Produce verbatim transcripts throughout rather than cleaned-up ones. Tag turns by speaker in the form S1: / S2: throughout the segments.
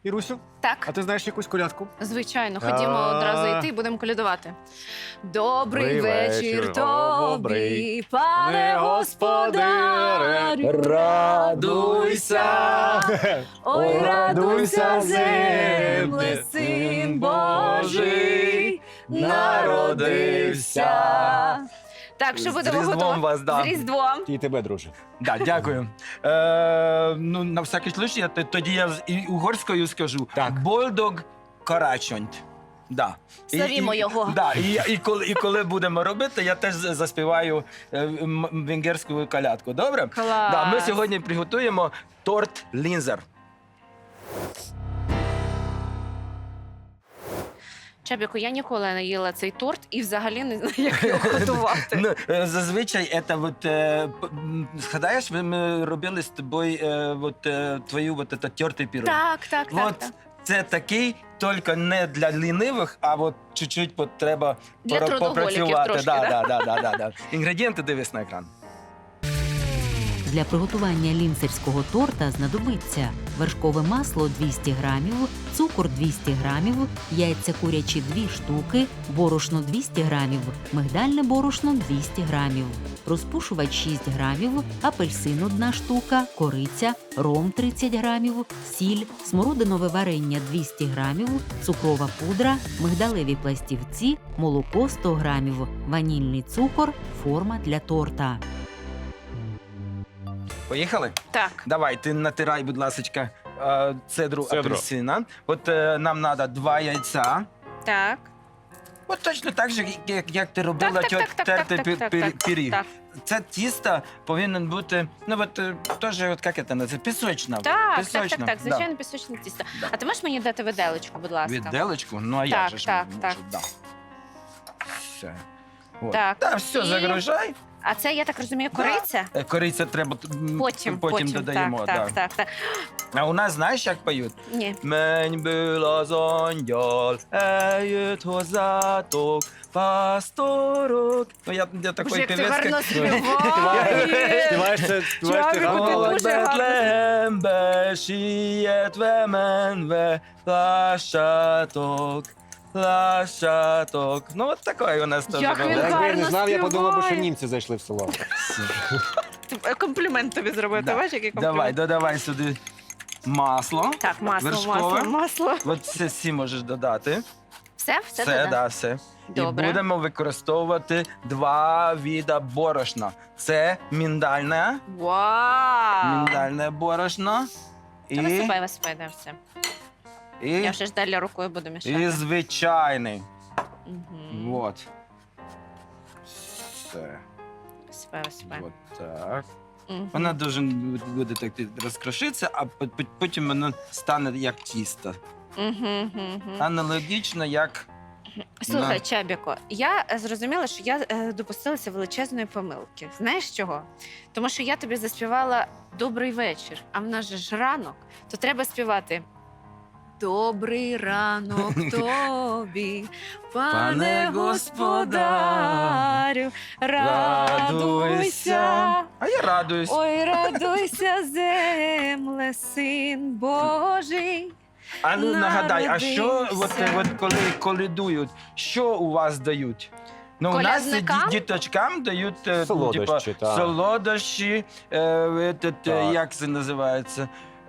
S1: Ірусю,
S2: Так,
S1: а ти знаєш якусь колядку?
S2: звичайно, ходімо
S1: А.
S2: одразу йти, будемо колядувати. Добрий
S1: Добрий
S2: вечір
S1: вечір,
S2: тобі,
S1: добрий,
S2: пане господарю.
S1: радуйся.
S2: Ой, радуйся, земле, син Божий народився. Так, що
S3: З
S2: будемо
S3: Різдвом
S2: готувати?
S3: вас, да.
S2: З Різдвом.
S1: І тебе, друже.
S3: Да, дякую. Е, ну, на всякий случай, я т- тоді я з- і угорською скажу.
S1: Так.
S3: Больдог карачонь. Да. І-
S2: Славімо
S3: і-
S2: його.
S3: Да, і, я- і, коли, і коли будемо робити, я теж з- заспіваю е, м- венгерську колядку. Добре?
S2: Клас.
S3: Да, ми сьогодні приготуємо торт лінзер.
S2: Чабіку, я ніколи не їла цей торт і взагалі не знаю, як його готувати.
S3: Ну, е, зазвичай, це от, е, п- м, згадаєш, ви- ми робили з тобою е, от, е, твою от, це, тертий пірог.
S2: Так, так, так.
S3: От
S2: так.
S3: це такий, тільки не для лінивих, а от чуть-чуть от треба
S2: Для
S3: пора-
S2: трудоголіків
S3: попрацювати.
S2: трошки,
S3: да,
S2: да?
S3: да, да, да, да. Інгредієнти дивись на екран.
S4: Для приготування лінцерського торта знадобиться вершкове масло двісті грамів, цукор двісті грамів, яйця курячі дві штуки, борошно двісті грамів, мигдальне борошно двісті грамів, розпушувач шість грамів, апельсин одна штука, кориця, ром тридцять грамів, сіль, смородинове варення двісті грамів, цукрова пудра, мигдалеві пластівці, молоко сто грамів, ванільний цукор, форма для торта.
S3: Поїхали?
S2: Так.
S3: Давай, ти натирай, будь ласка, е, цедру
S1: Цедру.
S3: апельсина. От е, нам треба два яйця.
S2: Так.
S3: От точно так же, як, як ти робила
S2: Так, так,
S3: тьот-
S2: так, так,
S3: тертий
S2: так,
S3: пі-
S2: так,
S3: пі-
S2: так,
S3: пиріг.
S2: так.
S3: Це тісто повинен бути, ну от е, теж, от як це називається, пісочна.
S2: Так, так, так,
S3: Пісочна,
S2: так,
S3: да.
S2: звичайно, пісочне тісто.
S3: Да.
S2: А ти можеш мені дати виделечку, будь ласка?
S3: Відделочку? Ну, а
S2: Так,
S3: як же ж
S2: так,
S3: можу,
S2: так.
S3: да. Все. От.
S2: Так,
S3: Та, все,
S2: і-
S3: загружай.
S2: А це, я так розумію, кориця?
S3: Е, Кориця треба м,
S2: Потім,
S3: потім додаємо.
S2: Так,
S3: да.
S2: так, так, так.
S3: А у нас знаєш, як поють?
S2: Ні.
S3: Menjből az angyal eljött hozzátok, pásztorok. Ну, я, я
S2: Боже,
S3: такий
S2: як ти
S3: певець,
S2: гарно
S3: як...
S2: співаєш!
S1: Співаєш це, співаєш ти
S2: Чабіку, ти
S1: гарно.
S2: дуже гарно.
S3: Betlehembe sietve menve, lássátok, lássátok. Ну, от такий у нас теж
S2: Як він
S3: робить.
S1: Якби я не
S2: гарно
S1: знав, я подумав, би, що
S2: співає.
S1: німці зайшли в село.
S2: Комплімент тобі зробити.
S3: Да.
S2: Бачиш, який комплімент?
S3: Давай, додавай сюди масло.
S2: Так, масло,
S3: вершкове.
S2: масло, масло.
S3: От це всі можеш додати.
S2: Все? Все,
S3: Все,
S2: додам?
S3: да, все.
S2: Добре.
S3: І будемо використовувати два види борошна. Це міндальне,
S2: Вау!
S3: міндальне борошно
S2: Та
S3: і,
S2: висипай, висипай, да, все.
S3: і,
S2: Я вже ж далі рукою буду
S3: і
S2: мішати.
S3: звичайний.
S2: Мгм.
S3: Вот. Все.
S2: Висипай, висипай.
S3: Вот так.
S2: Мгм.
S3: Вона дуже буде так розкрошитися, а по- по- потім воно стане як тісто.
S2: Мгм, мгм.
S3: Аналогічно, як
S2: Слухай,
S3: на-
S2: Чабіко, я е, зрозуміла, що я е, допустилася величезної помилки. Знаєш чого? Тому що я тобі заспівала «Добрий вечір», а в нас же ж ранок, то треба співати «Добрий ранок тобі, пане
S3: Пане
S2: господарю, радуйся».
S3: А я радуюсь.
S2: Ой, радуйся, земле, син Божий.
S3: А ну нагадай, а що от,
S2: народився.
S3: от коли колядують, що у вас дають? Ну, у нас
S2: Колядникам?
S3: ді- діточкам дають е,
S1: Солодощі,
S3: типа,
S1: так.
S3: солодощі, е, этот, е,
S1: Так.
S3: як це називається?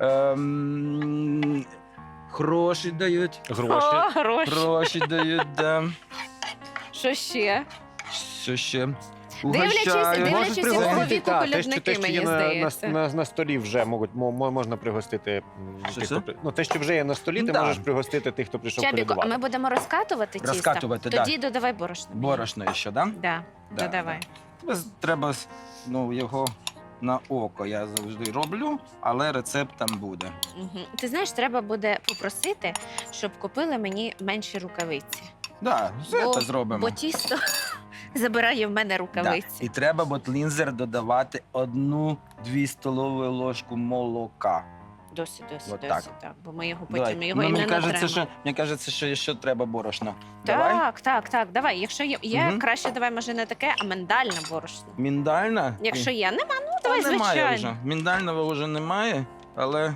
S3: Ем, гроші дають.
S1: Гроші.
S2: О, гроші.
S3: Гроші дають, да.
S2: Що ще?
S3: Що ще?
S2: Дивлячись,
S3: Угощають.
S2: дивлячись,
S1: Можеш
S2: якого
S1: пригостити,
S2: віку
S1: так, те, що-
S2: колядники,
S1: те, що
S2: мені
S1: є на, на,
S2: здається.
S1: на, на столі вже можуть, мо- мо- можна пригостити. м,
S3: Що
S1: тих,
S3: це?
S1: хто при- ну, те, що вже є на столі, ти
S3: Да.
S1: можеш пригостити тих, хто прийшов
S2: Чабіко, а
S1: колядувати.
S2: ми будемо розкатувати тісто?
S3: Розкатувати, да.
S2: Тоді додавай борошно. мені.
S3: Борошно ще, да?
S2: Да,
S3: Да,
S2: додавай.
S3: Без- Треба ну, його на око я завжди роблю, але рецепт там буде.
S2: Угу. Ти знаєш, треба буде попросити, щоб купили мені менші рукавиці.
S3: Да, все
S2: Бо-
S3: це зробимо.
S2: Бо тісто забирає в мене
S3: Да.
S2: рукавиці.
S3: І треба от лінзер додавати одну-дві столові ложку молока.
S2: Досить, досить,
S3: От
S2: досить.
S3: так.
S2: Так. Бо ми його
S3: Давай.
S2: потім його
S3: Ну,
S2: і
S3: мені
S2: не
S3: кажеться,
S2: натремо.
S3: що, мені кажеться, що ще треба борошно. Давай.
S2: Так, так, так, давай. Якщо є, є
S3: Мгм.
S2: краще давай, може, не таке, а миндальне борошно.
S3: Міндальна?
S2: Якщо є, нема, ну
S3: Та
S2: давай,
S3: немає
S2: звичайно.
S3: вже. Міндального вже немає, але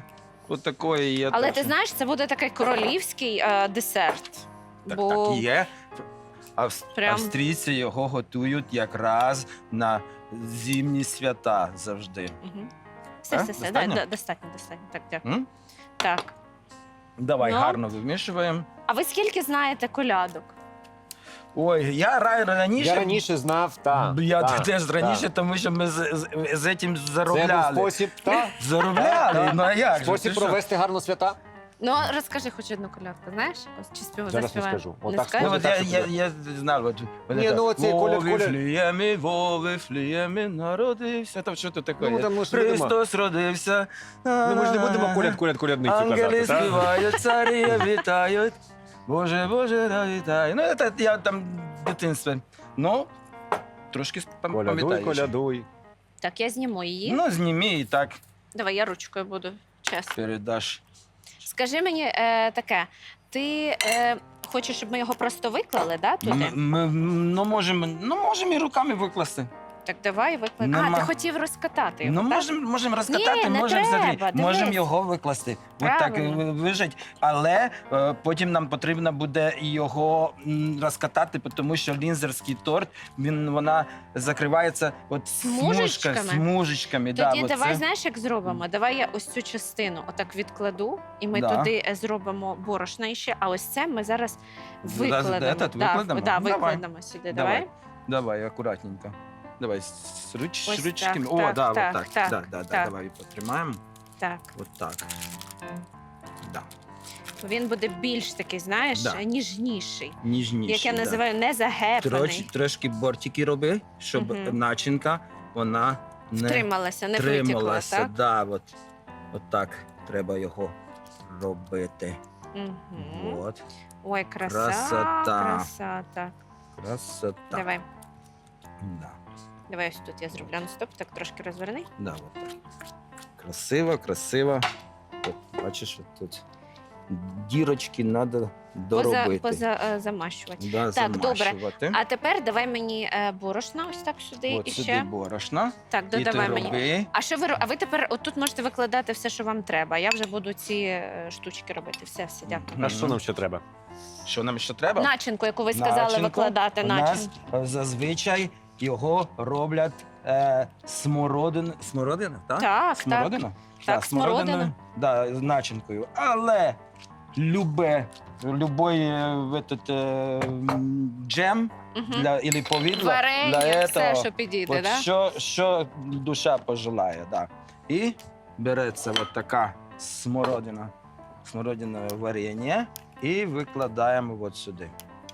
S3: от такої є.
S2: Але
S3: теж.
S2: ти знаєш, це буде такий королівський е, десерт.
S3: Так,
S2: бо
S3: так і є. Авс-
S2: Прям-
S3: Австрійці його готують якраз на зимні свята завжди.
S2: Мгм. Все,
S3: А?
S2: все, все,
S3: Достатньо?
S2: да, да, достатньо, достатньо. Так, дякую.
S3: М?
S2: Так.
S3: Давай
S2: Ну.
S3: гарно вимішуємо.
S2: А ви скільки знаєте колядок?
S3: Ой, я ра- раніше.
S1: Я раніше знав, та.
S3: Я
S1: та,
S3: теж раніше,
S1: та.
S3: тому що ми з, з, з цим
S1: Це був
S3: заробляли.
S1: спосіб, та?
S3: Заробляли,
S1: Та.
S3: ну а як же?
S1: Спосіб
S3: ти що?
S1: провести гарно свята.
S2: Ну, розкажи хоч одну колядку, знаєш? Ось чи спів...
S1: Зараз не
S2: заспіваємо?
S1: скажу.
S2: Не
S1: Отак
S2: скажеш?
S3: Ну,
S1: скажу.
S3: от
S1: так,
S3: я,
S1: щоб
S3: я,
S1: було.
S3: я знав, от, от
S1: Ні,
S3: це,
S1: ну, оцей
S3: «Во
S1: Коля- Коля-
S3: Вифлеємі, во Вифлеємі народився». Там що то таке?
S1: Ну, там ми ж не будемо.
S3: Христос родився.
S1: Ну, ми ж не будемо коляд, коляд, колядницю
S3: Ангели
S1: казати, так?
S3: співають, царі вітають. Боже, Боже, да вітаю. Ну, це я там в дитинстві. Ну, трошки пам-
S1: Колядуй,
S3: пам'ятаю. ще.
S1: колядуй.
S2: Так, я зніму її.
S3: Ну, зніми і так
S2: Давай, я ручкою буду, чесно.
S3: передаш.
S2: Скажи мені е, таке, ти е, хочеш, щоб ми його просто виклали, да, туди?
S3: М- Ми, ну, можемо, ну, можемо і руками викласти.
S2: Так давай викладемо. А,
S3: Нема.
S2: ти хотів розкатати його,
S3: Ну,
S2: так?
S3: можемо можем розкатати,
S2: Ні, не
S3: можемо
S2: треба,
S3: взагалі,
S2: дивись.
S3: можемо його викласти. От так
S2: Правильно.
S3: е, вижать. Але е, потім нам потрібно буде його м, розкатати, тому що лінзерський торт, він, вона закривається от
S2: Смужечками?
S3: смужка, смужечками.
S2: Тоді
S3: да,
S2: давай,
S3: оце.
S2: знаєш, як зробимо? Давай я ось цю частину отак відкладу, і ми
S3: Да.
S2: туди е, зробимо борошна ще, а ось це ми зараз
S3: Зараз
S2: викладемо.
S3: этот
S2: Да,
S3: викладемо?
S2: Да,
S3: Давай.
S2: викладемо сюди.
S3: Давай.
S2: Давай.
S3: Давай, акуратненько. Давай, з руч,
S2: Ось
S3: ручками.
S2: так,
S3: О,
S2: так,
S3: да,
S2: так,
S3: от так.
S2: так,
S3: да, да, да,
S2: так.
S3: давай потримаємо.
S2: Так.
S3: От так. Да.
S2: Він буде більш такий, знаєш,
S3: Да.
S2: ніжніший.
S3: Ніжніше.
S2: Як я
S3: да.
S2: називаю, не загепаний.
S3: Троч, трошки бортики роби, щоб
S2: Мгм.
S3: начинка вона не
S2: Втрималася, не витікла,
S3: трималася.
S2: так?
S3: Да, от, от так треба його робити.
S2: Угу.
S3: От.
S2: Ой, краса,
S3: Красота.
S2: краса. Так,
S3: Красота.
S2: давай.
S3: Да,
S2: Давай ось тут я зроблю. Ну, стоп, так трошки розверни.
S3: да, от так. Красиво, красиво. От, бачиш, от тут дірочки треба
S2: Поза,
S3: доробити.
S2: поза, е, замащувати.
S3: Да,
S2: Так, добре.
S3: замащувати.
S2: А тепер давай мені е, борошна ось так сюди
S3: От
S2: і
S3: сюди
S2: ще.
S3: борошно.
S2: Так,
S3: І ти
S2: додавай мені.
S3: роби.
S2: А що ви ро- А ви тепер отут можете викладати все, що вам треба. Я вже буду ці е, штучки робити. Все, все, дякую.
S3: Мгм.
S1: А що нам ще треба?
S3: Що нам ще треба?
S2: Начинку, яку ви сказали,
S3: Начинку.
S2: викладати
S3: У нас
S2: начинку.
S3: е, зазвичай його роблять е, смородин... смородина, так?
S2: Так,
S3: Смородина?
S2: Так, смородина.
S3: смородиною, Да, з начинкою. Але любе, любой е, в этот, е, м, джем
S2: так. Угу.
S3: для, или повідло,
S2: Варення,
S3: для
S2: все,
S3: этого,
S2: що підійде,
S3: от
S2: да?
S3: що, що душа пожелає. Да. І береться от така смородина, смородинове варення і викладаємо от сюди.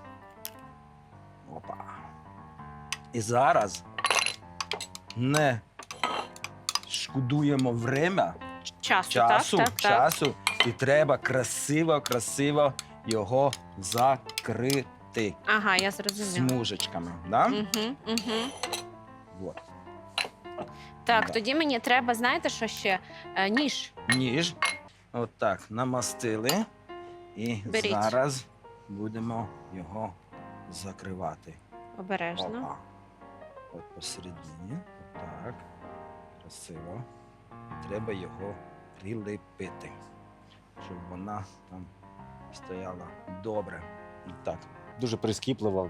S3: Опа. І зараз не шкодуємо время,
S2: Часу,
S3: часу,
S2: так, так, так.
S3: часу, і треба красиво, красиво його закрити
S2: Ага, я зрозуміла.
S3: смужечками. Да?
S2: Угу, угу.
S3: Вот.
S2: Так,
S3: Да.
S2: тоді мені треба, знаєте, що ще? Е, ніж.
S3: Ніж. От так, намастили. І
S2: Беріть.
S3: зараз будемо його закривати.
S2: Обережно.
S3: Опа. От посередині. Так. Красиво. Треба його прилепити, щоб вона там стояла добре. І так.
S1: Дуже прискіпливо.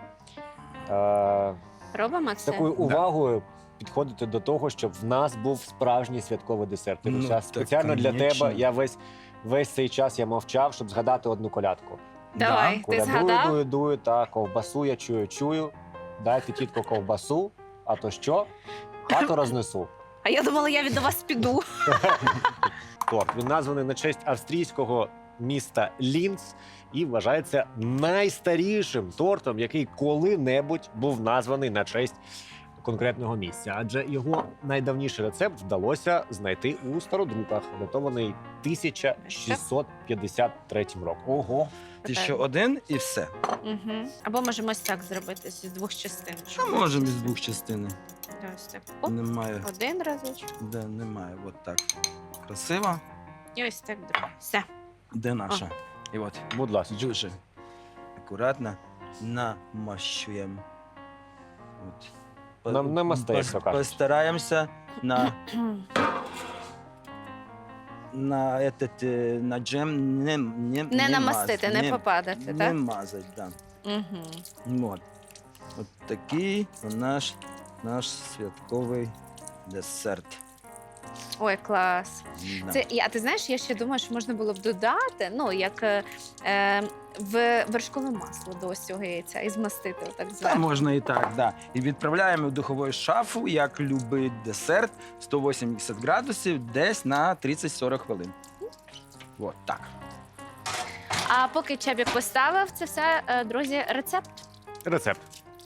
S1: Е,
S2: Робимо
S1: з
S2: це?
S1: такою увагою підходити до того, щоб в нас був справжній святковий десерт.
S3: Ну,
S1: Іруся,
S3: так,
S1: спеціально для
S3: конечно.
S1: тебе я весь, весь цей час я мовчав, щоб згадати одну колядку.
S2: Давай,
S3: Да.
S2: ти
S1: Колядую,
S2: згадав?
S1: дую, дую, та ковбасу я чую, чую. Дайте, тітко, ковбасу, а то що? Хату рознесу.
S2: А я думала, я від вас піду.
S1: Торт. Він названий на честь австрійського міста Лінц і вважається найстарішим тортом, який коли-небудь був названий на честь конкретного місця. Адже його найдавніший рецепт вдалося знайти у стародруках, датований тисяча шістсот п'ятдесят третім роком.
S3: Ого. Ти ще один і все.
S2: Угу. Або можемо ось так зробити з двох частин.
S3: Що можемо з двох частин?
S2: Ось так. Оп,
S3: Немає.
S2: один разочок.
S3: Де немає. От так. Красиво.
S2: І ось так другий. Все.
S3: Де наша? І от.
S1: Будь ласка.
S3: Дуже акуратно намащуємо. От. По-
S1: Нам намасте, як
S3: пос-
S1: то кажуть.
S3: Постараємося на на, этот, е, на джем не, не,
S2: Не намастити,
S3: маз-
S2: не попадати,
S3: не
S2: так?
S3: мазать, да.
S2: Угу.
S3: От. От такий у наш, наш святковий десерт.
S2: Ой, клас.
S3: Да.
S2: Це, і- а ти знаєш, я ще думаю, що можна було б додати, ну, як е, е, в вершкове масло до ось цього яйця і змастити отак
S3: Та
S2: зверху.
S3: можна і так, да. І відправляємо в духову шафу, як любий десерт, сто вісімдесят градусів, десь на тридцять-сорок хвилин. От так.
S2: А поки Чабік поставив, це все, е, друзі, рецепт.
S1: Рецепт.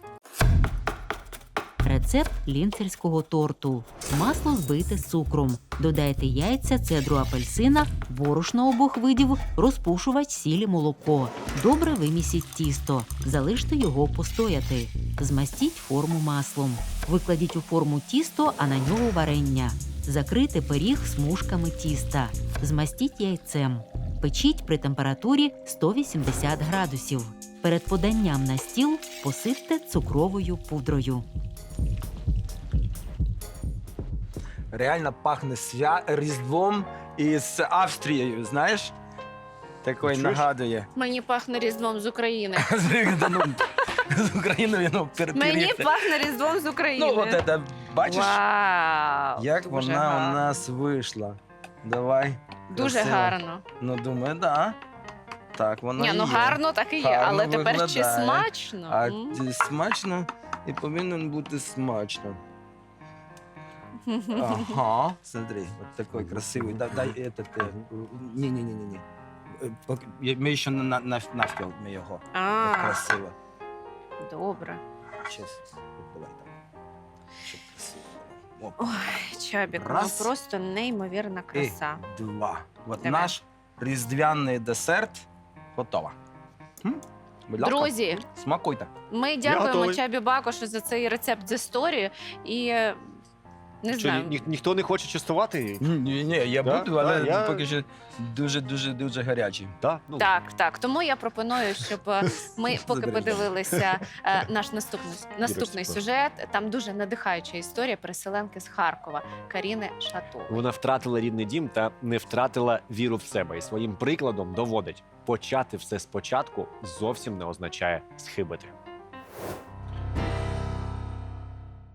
S4: Рецепт лінцерського торту. Масло збийте з цукром. Додайте яйця, цедру апельсина, борошно обох видів, розпушувач, сіль і молоко. Добре вимісіть тісто. Залиште його постояти. Змастіть форму маслом. Викладіть у форму тісто, а на нього варення. Закрийте пиріг смужками тіста. Змастіть яйцем. Печіть при температурі сто вісімдесят градусів. Перед поданням на стіл посипте цукровою пудрою.
S3: Реально пахне свя... Різдвом із Австрією, знаєш? Такий
S1: Чуєш?
S3: нагадує.
S2: Мені пахне Різдвом з України.
S3: З ну, з Україною, ну, пер-
S2: Мені
S3: перед-
S2: пахне Різдвом з України.
S3: Ну, от це, бачиш,
S2: Вау!
S3: як
S2: Дуже
S3: вона
S2: гарно.
S3: у нас вийшла. Давай.
S2: Дуже
S3: красиво.
S2: гарно.
S3: Ну, думаю, да. Так, вона
S2: Ні,
S3: і
S2: ну
S3: є.
S2: гарно так і є,
S3: Гарно
S2: але тепер чи
S3: виглядає.
S2: смачно?
S3: А
S2: М.
S3: ті- смачно і повинен бути смачно. Ага, смотри, вот такой красивый. Да, дай этот. э, Не, не, не, не, не. Э, пок- я- Ми ще на, на, на- навпіл ми його. От
S2: А,
S3: красиво.
S2: добре.
S3: Щас. От давай так. Щоб красиво. було. Оп.
S2: Ой, Чабік, ну
S3: Раз.
S2: просто неймовірна краса.
S3: І два. От
S2: Давай.
S3: наш різдвяний десерт готово. М? Будь ласка,
S2: Друзі,
S3: смакуйте.
S2: ми дякуємо
S1: готовий.
S2: Чабі Бакошу за цей рецепт з історії. І е, не
S1: Що,
S2: знаю.
S1: ні, ніхто не хоче частувати?
S3: Ні, ні, я
S1: Да?
S3: буду, але
S1: Да, я-
S3: поки що дуже, дуже, дуже гарячий.
S1: Да? Ну,
S2: Так, так. Тому я пропоную, щоб е, ми поки
S3: Забережемо.
S2: подивилися е, наш наступний наступний
S1: Ірочка.
S2: сюжет. Там дуже надихаюча історія переселенки з Харкова Каріни Шатової.
S1: Вона втратила рідний дім та не втратила віру в себе. І своїм прикладом доводить, почати все спочатку зовсім не означає схибити.